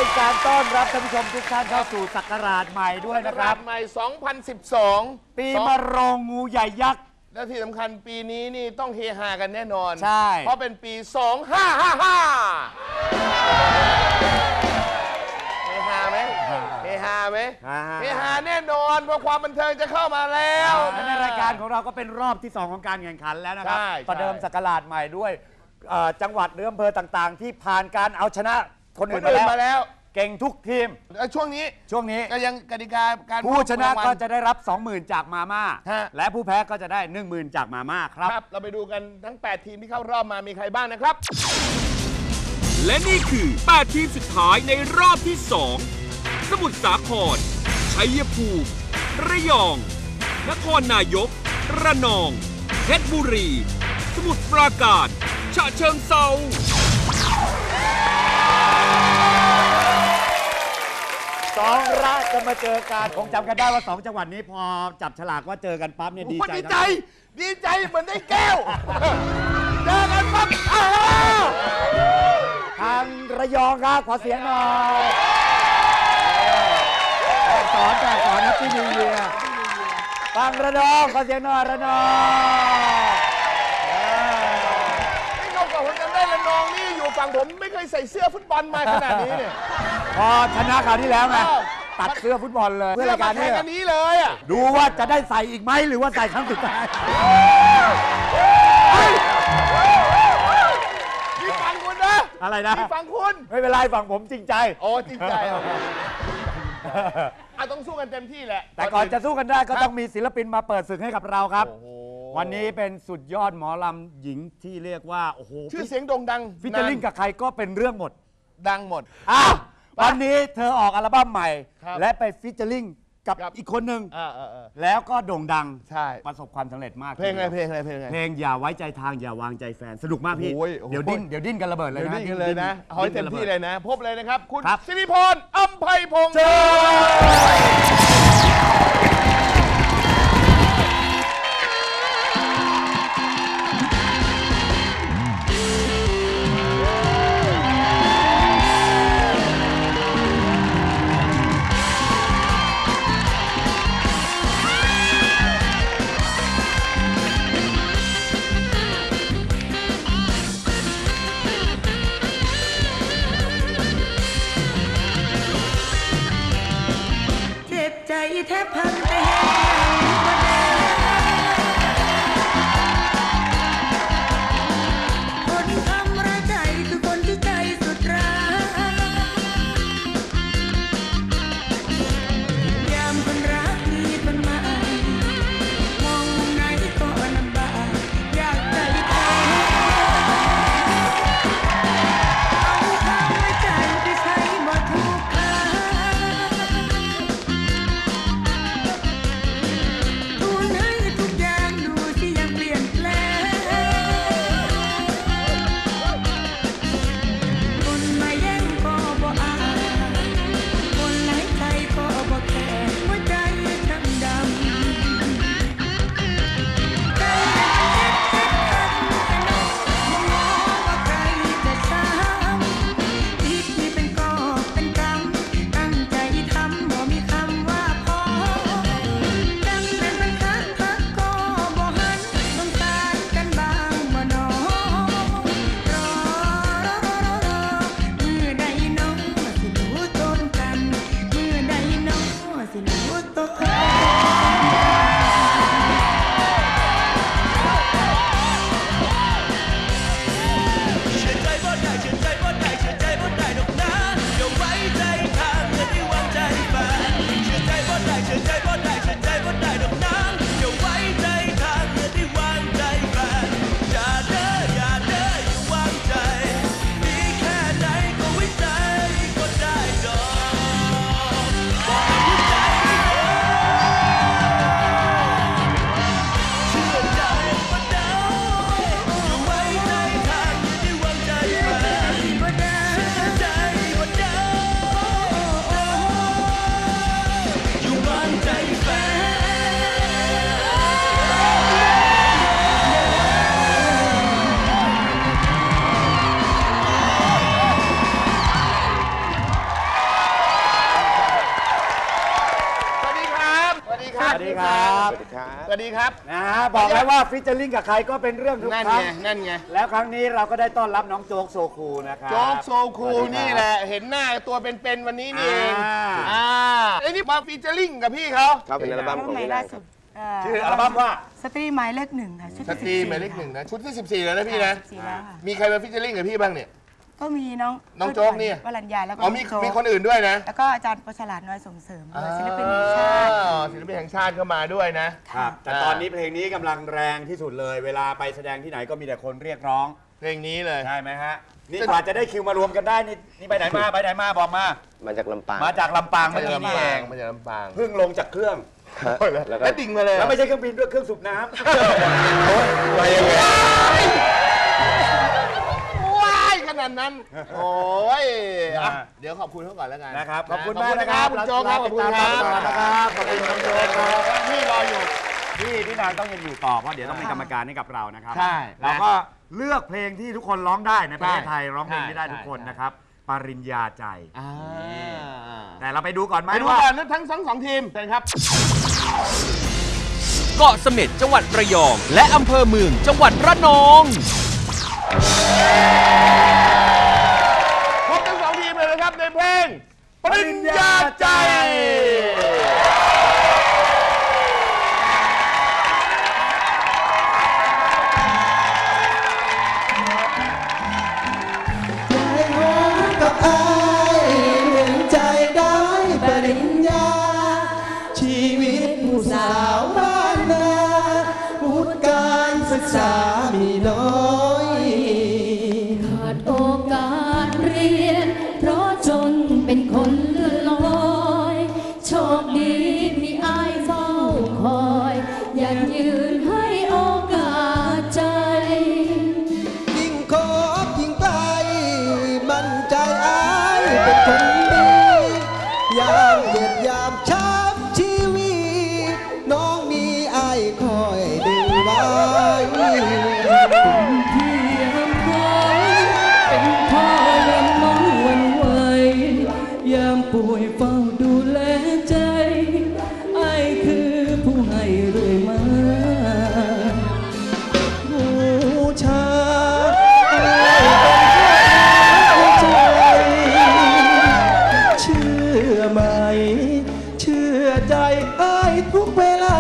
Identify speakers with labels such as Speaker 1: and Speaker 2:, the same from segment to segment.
Speaker 1: การต้อนรับท่านผู้ชมทุกท่านเข้าสู่ศักราชใหม่ด้วยนะครับ
Speaker 2: ใหม่ 2012
Speaker 1: ปีมะโรงงูใหญ่ยักษ์
Speaker 2: และที่สำคัญปีนี้นี่ต้องเฮฮากันแน่นอน
Speaker 1: ใช่
Speaker 2: เพราะเป็นปี 2555 เฮฮาไหมเฮฮาไหมเฮฮาแน่นอนเพราะความบันเทิงจะเข้ามาแล้ว
Speaker 1: ในรายการของเราก็เป็นรอบที่ 2 ของการแข่งขันแล้วนะครับ ประเดิมศักราชใหม่ด้วยจังหวัดหรืออำเภอต่างๆ ที่ผ่านการเอาชนะคนอื่นมาแล้วเก่งทุกทีม
Speaker 2: ช่วงนี้ก็ยังกติกาการ
Speaker 1: ผู้ชนะก็จะได้รับ 20,000 จากมาม่าและผู้แพ้ก็จะได้ 10,000 จากมาม่าครับ
Speaker 2: เราไปดูกันทั้ง 8 ทีมที่เข้ารอบมามีใครบ้างนะครับ
Speaker 3: และนี่คือ 8 ทีมสุดท้ายในรอบที่ 2 สมุทรสาคร ชัยภูมิ ระยอง นครนายก ระนอง เพชรบุรี สมุทรปราการ ฉะเชิงเทรา
Speaker 1: 2 ราชจะมาเจอกันคงจำกันได้ว่า 2 จังหวัดนี้พอจับฉลากว่าเจอกันปั๊บเนี่ยดี
Speaker 2: ใจเหมือนได้แก้วเจอกันปั๊บ
Speaker 1: ทางระยองครับขอเสียงหน่อยสอนนะพี่นิวเยียร์ฟังระนองขอเสียงหน่อยระนอง
Speaker 2: นี่นอกจากผมจำได้ระนองนี่อยู่ฝั่งผมไม่เคยใส่เสื้อฟุตบอลมาขนาดนี้เนี่ย
Speaker 1: พอชนะคราวที่แล้วไงตัดเสื้อฟุตบอลเลย
Speaker 2: เพื่อรายการนี้เลยอ่ะ
Speaker 1: ดูว่าจะได้ใส่อีกไหมหรือว่าใส่ครั้งสุดท้าย
Speaker 2: นี่ฟังคุณนะ
Speaker 1: อะไรนะ
Speaker 2: นี่ฟังคุณ
Speaker 1: ไม่เป็นไรฝั่งผมจริงใจ
Speaker 2: โอ้จริงใจต้องสู้กันเต็มที่แหละ
Speaker 1: แต่ก่อนจะสู้กันได้ก็ต้องมีศิลปินมาเปิดศึกให้กับเราครับวันนี้เป็นสุดยอดหมอลำหญิงที่เรียกว่าโอ้โห
Speaker 2: ชื่อเสียงโด่งดัง
Speaker 1: ฟิชเชอร์ลิงกับใครก็เป็นเรื่องหมด
Speaker 2: ดังหมด
Speaker 1: วันนี้เธอออกอัลบั้มใหม่และไปฟิชเชอร์ลิงกับอีกคนหนึ่งแล้วก็โด่งดังประสบความสำเร็จมาก
Speaker 2: เพลงอะไร
Speaker 1: เพลงอย่าไว้ใจทางอย่าวางใจแฟนสนุกมากพี่เดี๋ยวดิ้นกันระเบิดเลยนะ
Speaker 2: ดิ้นกันเลยนะเอาให้เต็มที่เลยนะพบเลยนะครับคุณสิริพรอำไพพงษ์
Speaker 4: แทบพัง
Speaker 2: สวัสดีครับ
Speaker 1: นะฮะบอกแล้วว่าฟิชเชอร์ลิงกับใครก็เป็นเรื่องทุกครั้ง
Speaker 2: นั่นไง
Speaker 1: แล้วครั้งนี้เราก็ได้ต้อนรับน้องโจ๊กโซคูนะครับ
Speaker 2: โจ๊กโซคูนี่แหละเห็นหน้าตัวเป็นๆวันนี้นี่เองไอ้นี่มาฟิชเชอร์ลิงกับพี่เขา
Speaker 4: ครับเป็นอัลบั้มของพี่แดง
Speaker 1: ชื่ออัลบั้มว่า
Speaker 5: สตรีหมายเลขหนึ่งค่ะ
Speaker 2: สตรีหมายเลขหนึ่งนะชุดที่14แล้วนะพี่นะมีใครมาฟิชเชอร์ลิงกับพี่บ้างเนี่ย
Speaker 5: ก็มีน้
Speaker 2: องโจ๊กนี่
Speaker 5: วรัญญาแล้วก็
Speaker 2: มีคนอื่นด้วยนะ
Speaker 5: แล้วก็อาจารย์ประฉลาดน้อยส่งเสริมศิลปินแห่งชาติ
Speaker 2: ศิลปินแห่งชาติเข้ามาด้วยนะครับ
Speaker 1: แต่ตอนนี้เพลงนี้กำลังแรงที่สุดเลยเวลาไปแสดงที่ไหนก็มีแต่คนเรียกร้อง
Speaker 2: เพลงนี้เลย
Speaker 1: ใช่ไหมฮะนี่กว่าจะได้คิวมารวมกันได้นี่ไปไหนมาบอกมา
Speaker 4: จากลำปาง
Speaker 1: เมื่อกี้นี่เอง
Speaker 2: มาจากลำปาง
Speaker 1: เพิ่งลงจากเครื่อง
Speaker 2: แล้วดิ่งมาเลย
Speaker 1: แล้วไม่ใช่เครื่องบินด้วยเครื่องสูบน้ำ
Speaker 2: มายังไงขนาดนั้นโอ้ยเดี๋ยวขอบคุณเขาก่อนแล้วกัน
Speaker 1: นะครับขอบคุณมากนะครับ
Speaker 2: คุณโจ๊กขอบคุณครับ
Speaker 1: นะครับขอบคุณน้องโจ๊กครับพี่รออยู่พี่นางต้องยังอยู่ต่อเพราะเดี๋ยวต้องเป็นกรรมการให้กับเรานะครับ
Speaker 2: ใช่
Speaker 1: เราก็เลือกเพลงที่ทุกคนร้องได้ในประเทศไทยร้องเพลงที่ได้ทุกคนนะครับปริญญาใจแต่เราไปดูก่อนไหม
Speaker 2: ไปดูก่อนทั้ง2ทีมเชิญครับ
Speaker 3: เกาะเสม็ดจังหวัดระยองและอำเภอเมืองจังหวัดระนอง
Speaker 2: พบทั้ง2ทีมเลยนะครับในเพลงปริญญาใจ
Speaker 6: ใจได้ปริญญาชีวิตผู้สาวบ้านนาวุฒิการศึกษามีน้อย
Speaker 7: ขาดโอกาสเรียนเพราะจนเป็นคนเลื่อนลอยโชคดีมีอ้ายเฝ้าคอยอยากยืนให้โอกาสใจ
Speaker 6: ยิ่งคบยิ่งไกลมั่นใจอ้ายเป็นคนยามเจ็บยามช้ำชีวิตน้องมีอ้ายคอยดึงไว้
Speaker 7: ที่ยังคอยเป็นพ่อเลี้ยงน้องวันไหวยามป่วยเฝ้าดูแลใจอ้ายคือผู้ให้เรื่อยมา
Speaker 6: บูชาไหมเชื่อใจอ้ายทุกเวลา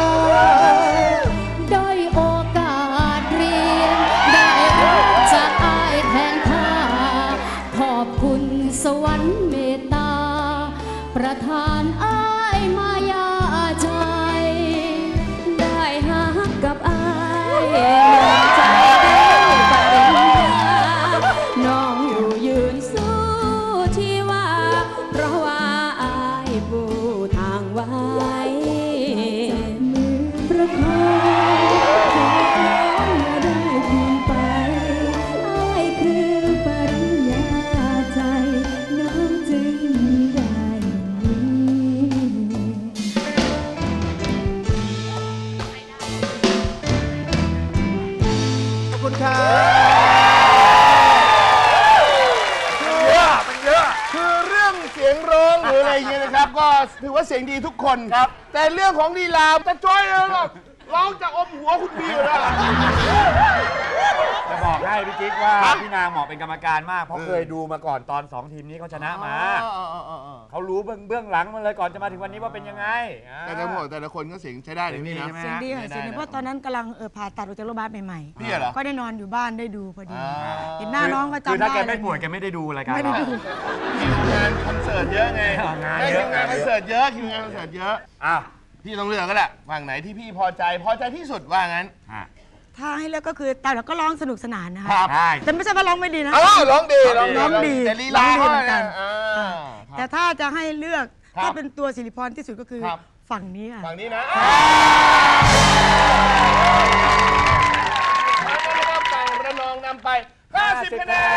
Speaker 7: ได้โอกาสเรียนได้รับจากอ้ายแทนค่าขอบคุณสวรรค์เมตตาประทานอ้ายมายาใจได้หักกับอ้ายใจได้ปริญญาน้องอยู่ยืนสู้ที่ว่าเพราะว่าบูทางไว้มือประคองขอร้องอย่าได้ทิ้งไปอ้ายคือปริญญาใจน้องจึงได้
Speaker 2: ขอบคุณครับคือเรื่องเสียงร้องหรืออะไรอย่างเงี้ยนะครับก็ถือว่าเสียงดีทุกคนครับแต่เรื่องของลีลาจะจ้อยเลยก็ร้องจะอมหัวคุณบีอยู่แล้ว
Speaker 1: จะบอกให้พี่จิ๊กว่าพี่นางเหมาะเป็นกรรมการมากเพราะเคยดูมาก่อนตอน2ทีมนี้เขาชนะมาเขารู้เบื้องหลังมาเลยก่อนจะมาถึงวันนี้ว่าเป็นยังไง
Speaker 2: แต่ทั้งหมดแต่ละคนก็เสียงใช้ได้เลยพี่นะ
Speaker 5: เสียงดีค่ะเสียงดีเพราะตอนนั้นกำลังผ่าตัดออกจากโรงพยาบาลใหม่ๆ
Speaker 2: พี่เหรอ
Speaker 5: ก็ได้นอนอยู่บ้านได้ดูพอดีเห็นหน้าน้องก็จำได้
Speaker 1: คือถ้าแกไม่ป่วยแกไม่ได้ดูรายการเรา
Speaker 2: คิวงานคอนเสิร์ตเยอะไงคิวงานคอนเสิร์ตเยอะอ้าวพี่ต้องเลือกก็แหละฝั่งไหนที่พี่พอใจที่สุดว่างั้น
Speaker 5: ถ้าให้เลือกก็คือแต่เราก็ร้องสนุกสนานนะคะแต่ไม่ใช่ว่าร้องไม่ดีนะ
Speaker 2: ร้องดี
Speaker 5: แต่ลีลาเหมือนกันแต่ถ้าจะให้เลือกถ้าเป็นตัวศิริพรที่สุดก็คือฝั่งนี้ค่ะ
Speaker 2: ฝั่งนี้นะฝั่งระนองนำไป50คะแนน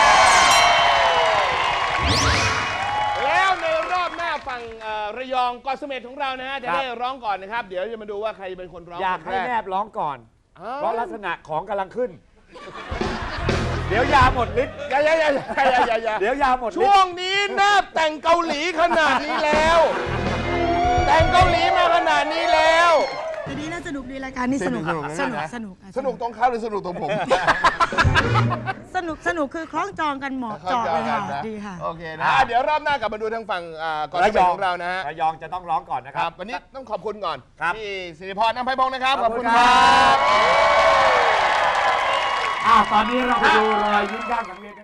Speaker 2: แล้วในรอบหน้าฝั่งระยองเกาะเสม็ดของเรานะฮะจะได้ร้องก่อนนะครับเดี๋ยวจะมาดูว่าใครเป็นคนร้อง
Speaker 1: อยากให้แนบร้องก่อนเพราะลักษณะของกำลังขึ้นเดี๋ยวยาหมดฤทธิ์
Speaker 2: อย่าเ
Speaker 1: ดี๋ยวยาหมดฤทธิ์
Speaker 2: ช่วงนี้แนบแต่งเกาหลีขนาดนี้แล้วแต่งเกาหลีมาขนาดนี้แล้ว
Speaker 5: นุกดีรายการนี้สนุกสนุก
Speaker 2: ตรงเขาหรือสนุกตรงผม
Speaker 5: สนุกคือคล้องจองกันเหมาะเจาะเลยค่ะดีค่ะ
Speaker 2: โอเคนะเดี๋ยวรอบหน้ากลับมาดูทางฝั่งก่อนระยองของเรานะฮะ
Speaker 1: ระยองจะต้องร้องก่อนนะครับ
Speaker 2: วันนี้ต้องขอบคุณก่อน
Speaker 1: พี่
Speaker 2: สิริพร น้ำไพพงศ์นะครับขอบคุณครับ
Speaker 1: ตอนนี้เราไปดูรอยยิ้มด้านสังเวียน